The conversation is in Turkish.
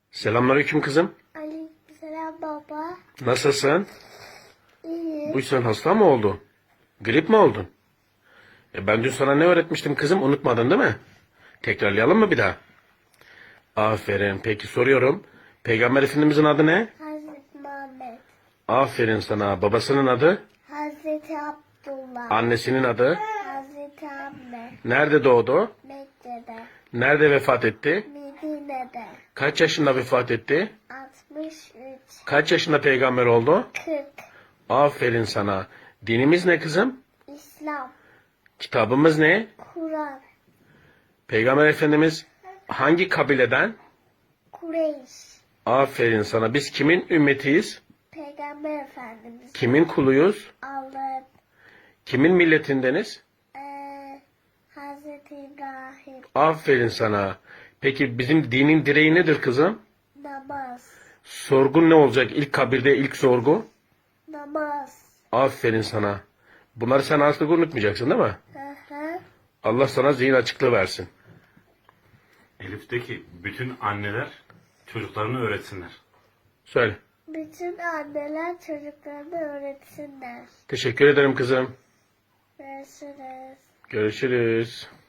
Selamünaleyküm kızım. Aleykümselam baba. Nasılsın? İyi. Bu sen hasta mı oldun? Grip mi oldun? Ben dün sana ne öğretmiştim kızım? Unutmadın değil mi? Tekrarlayalım mı bir daha? Aferin. Peki soruyorum. Peygamber Efendimizin adı ne? Hazreti Muhammed. Aferin sana. Babasının adı? Hazreti Abdullah. Annesinin adı? Hazreti Ahmet. Nerede doğdu? Mekke'de. Nerede vefat etti? Medine'de. Kaç yaşında vefat etti? 63. Kaç yaşında peygamber oldu? 40. Aferin sana. Dinimiz ne kızım? İslam. Kitabımız ne? Kur'an. Peygamber Efendimiz hangi kabileden? Kureyş. Aferin sana. Biz kimin ümmetiyiz? Peygamber Efendimiz. Kimin kuluyuz? Allah'ın. Kimin milletindeniz? Hazreti İbrahim. Aferin sana. Peki bizim dinin direği nedir kızım? Namaz. Sorgun ne olacak? İlk kabirde ilk sorgu? Namaz. Aferin sana. Bunları sen artık unutmayacaksın değil mi? Hı hı. Allah sana zihin açıklığı versin. Elif'teki bütün anneler çocuklarını öğretsinler. Söyle. Bütün anneler çocuklarını öğretsinler. Teşekkür ederim kızım. Görüşürüz. Görüşürüz.